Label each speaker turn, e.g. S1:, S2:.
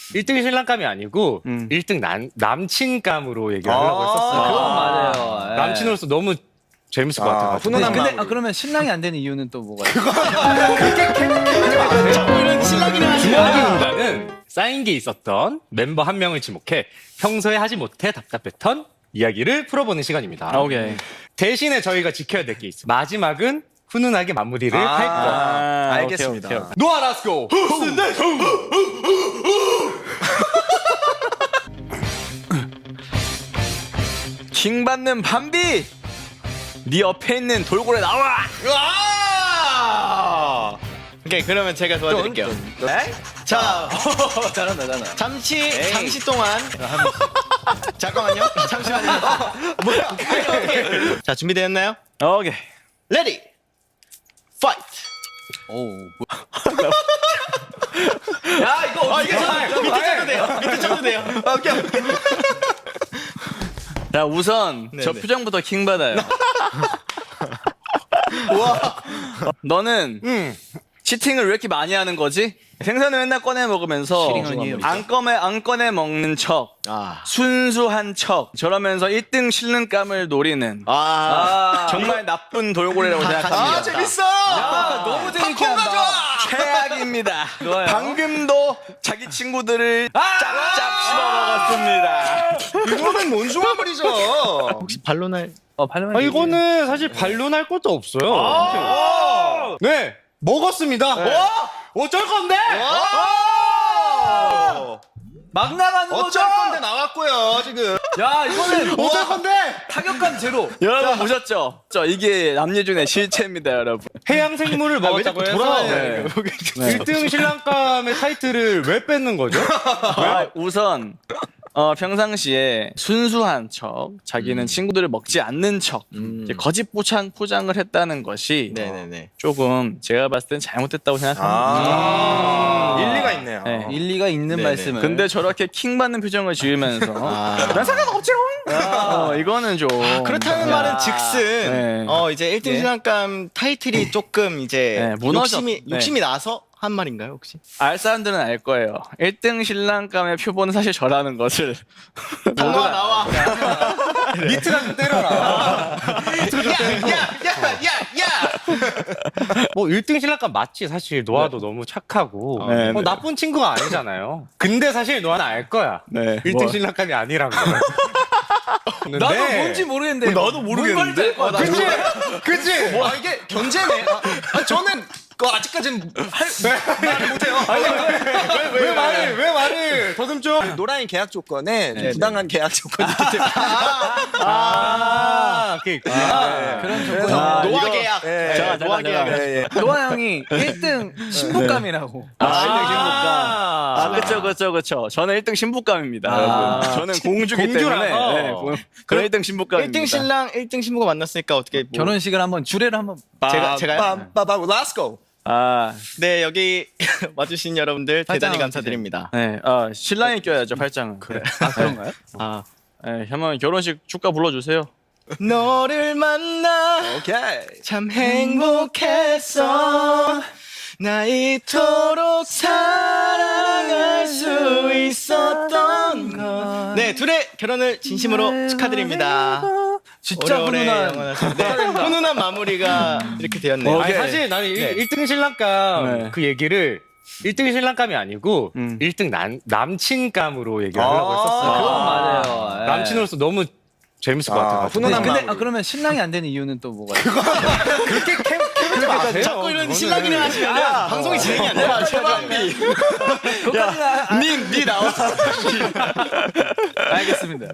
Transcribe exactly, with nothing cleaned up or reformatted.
S1: 일 등이 신랑감이 아니고
S2: 음.
S1: 일 등 남, 남친감으로 얘기를 하려고
S3: 아,
S1: 했었어요.
S2: 그건 맞아요. 예.
S1: 남친으로서 너무 재밌을 것
S3: 아,
S1: 같아가지고.
S3: 훈훈한
S2: 근데
S3: 마무리.
S2: 아, 그러면 신랑이 안 되는 이유는 또 뭐가 있어요?
S1: 이런 신랑이랑 주먹이 운다는 쌓인 게 있었던 멤버 한 명을 지목해 평소에 하지 못해 답답했던 이야기를 풀어보는 시간입니다.
S2: 오케이.
S1: 대신에 저희가 지켜야 될 게 있어요. 마지막은 훈훈하게 마무리를
S3: 아,
S1: 할 거야.
S2: 아,
S3: 알겠습니다.
S2: 오케이, 오케이.
S1: 노아 라스코.
S2: 킹받는 밤비! 네 옆에 있는 돌고래 나와!
S4: 와! 오케이, 그러면 제가 도와드릴게요.
S3: 네?
S4: 자,
S2: 잘한다, 잘한다.
S4: 잠시, 잠시 동안. 잠깐만요. 잠시만요. 뭐야? 자, 준비되었나요?
S2: 오케이.
S4: 레디! 파이트!
S2: 오.
S4: 야, 이거 어떻게 쳐도 밑에 쳐도 돼요. 밑에 쳐도 돼요. 오케이, 오케이.
S2: 자, 우선
S4: 네,
S2: 저
S4: 네.
S2: 표정부터 킹받아요. 와. 너는
S1: 음.
S2: 치팅을 왜 이렇게 많이 하는 거지? 생선을 맨날 꺼내 먹으면서
S4: 치팅은요?
S2: 안 꺼내 안 꺼내 먹는 척,
S4: 아.
S2: 순수한 척, 저러면서 일 등 실능감을 노리는
S4: 아.
S2: 정말 나쁜 돌고래라고 생각합니다.
S4: 아, 재밌어!
S2: 너무 재밌게 한다. 최악입니다. 방금도 자기 친구들을 짭짭 씹어 먹었습니다.
S4: 이거는 뭔중화물이죠. 혹시 반론할?
S2: 어, 발음을
S1: 아, 이거는 사실 반론할 것도 없어요. 네, 먹었습니다. 어쩔 건데?
S2: 막 나가는
S4: 어쩔 건데 나왔고요, 지금.
S2: 야, 이거는
S1: 어쩔 건데?
S2: 타격감 제로. 여러분 보셨죠? 저 이게 남녀준의 실체입니다, 여러분.
S1: 해양 생물을 먹었다고
S4: 자꾸
S1: 해서
S4: 돌아와요,
S2: 네.
S1: 일 등 신랑감의 타이틀을 왜 뺏는 거죠?
S2: 아, 우선 어, 평상시에 순수한 척, 자기는 친구들을 먹지 않는 척, 이제 거짓 포장 포장을 했다는 것이
S4: 네네네.
S2: 조금 제가 봤을 땐 잘못됐다고 생각합니다.
S3: 아, 일리가 있네요.
S2: 네.
S5: 일리가 있는
S4: 네네.
S5: 말씀을.
S2: 근데 저렇게 킹 받는 표정을 지으면서 난 상관없지롱. 어, 이거는 좀
S4: 그렇다는 말은 즉슨
S2: 네.
S4: 어 이제 일 등
S2: 예.
S4: 신랑감 타이틀이 조금 이제
S2: 네, 무너졌-
S4: 욕심이
S2: 네.
S4: 욕심이 나서 한 말인가요 혹시?
S2: 알 사람들은 알 거예요. 일 등 신랑감의 표본은 사실 저라는 것을.
S4: 나와 나와.
S1: 니트가 좀 때려라.
S4: 야야야야야.
S1: 뭐 일 등 신랑감 맞지. 사실 노아도 너무 착하고
S2: 네,
S1: 뭐
S2: 네.
S1: 나쁜 친구가 아니잖아요. 근데 사실 노아는 알 거야.
S2: 네.
S1: 일 등 신랑감이 아니란 거.
S5: 나도 뭔지 모르겠는데.
S2: 나도 모르겠는데?
S5: 뭔 말인지 알 것 같아.
S1: 그치? 그치?
S4: 뭐 아, 이게 견제네. 아, 아, 저는 그 아직까지는 할 말을 못해요.
S1: 왜, 왜 말을, 왜 말을 더듬죠?
S3: 노란이 계약 조건에 좀
S4: 네,
S3: 부당한 계약 조건이 있기 때문에.
S1: 아, 그게 있구나.
S5: 그런
S3: 그래서
S5: 조건.
S2: 아,
S4: 노아
S2: 이거-
S4: 계약.
S3: 예,
S2: 잠깐,
S4: 노아
S2: 잠깐,
S4: 계약.
S2: 잠깐.
S3: 예, 예.
S5: 노아 형이 일 등 신부감이라고.
S2: 아, 일 등 신부감.
S1: 아,
S2: 아, 그쵸, 그쵸, 그쵸. 저는 일 등 신부감입니다,
S1: 아.
S2: 여러분. 저는 공주기 때문에.
S1: 공주라서.
S2: 네, 공- 저는 일 등 신부감입니다.
S4: 일 등 신랑 일 등 신부가 만났으니까 어떻게 뭐
S5: 결혼식을 한번 주례를 한번.
S4: 제가 제가요?
S3: 빰빰빰 렛츠고.
S2: 아,
S4: 네 여기 와주신 여러분들 대단히
S5: 팔짱
S4: 감사드립니다.
S2: 네. 아, 신랑이 껴야죠, 팔짱은. 그래.
S5: 아 그런가요?
S4: 아
S2: 네, 한번 결혼식 축가 불러주세요.
S4: 너를 만나
S3: 오케이.
S4: 참 행복했어 나 이토록 사랑할 수 있었던 것. 네 둘의 결혼을 진심으로 축하드립니다.
S5: 진짜
S4: 오래오래
S5: 훈훈한.
S4: 영원하시고. 네, 훈훈한 마무리가 이렇게 되었네요.
S1: 아니,
S2: 오케이.
S1: 사실 나는
S4: 네.
S1: 일 등 신랑감
S2: 네.
S1: 그 얘기를 일 등 신랑감이 아니고
S2: 음.
S1: 일 등 남, 남친감으로 얘기를 하려고
S3: 아,
S1: 했었어요.
S5: 그건 맞아요. 예.
S1: 남친으로서 너무 재밌을 것
S3: 아,
S1: 같아가지고.
S3: 훈훈한
S5: 근데
S3: 마무리.
S5: 아, 그러면 신랑이 안 되는 이유는 또 뭐가 있어요?
S1: 그렇게 캠, 캠 마세요.
S4: 자꾸 이런
S1: 그거는.
S4: 신랑이랑 하시면
S5: 아,
S4: 방송이 진행이 안 돼요. 최반비.
S5: 그것까지는 아-
S4: 니, 니 나와.
S5: 알겠습니다.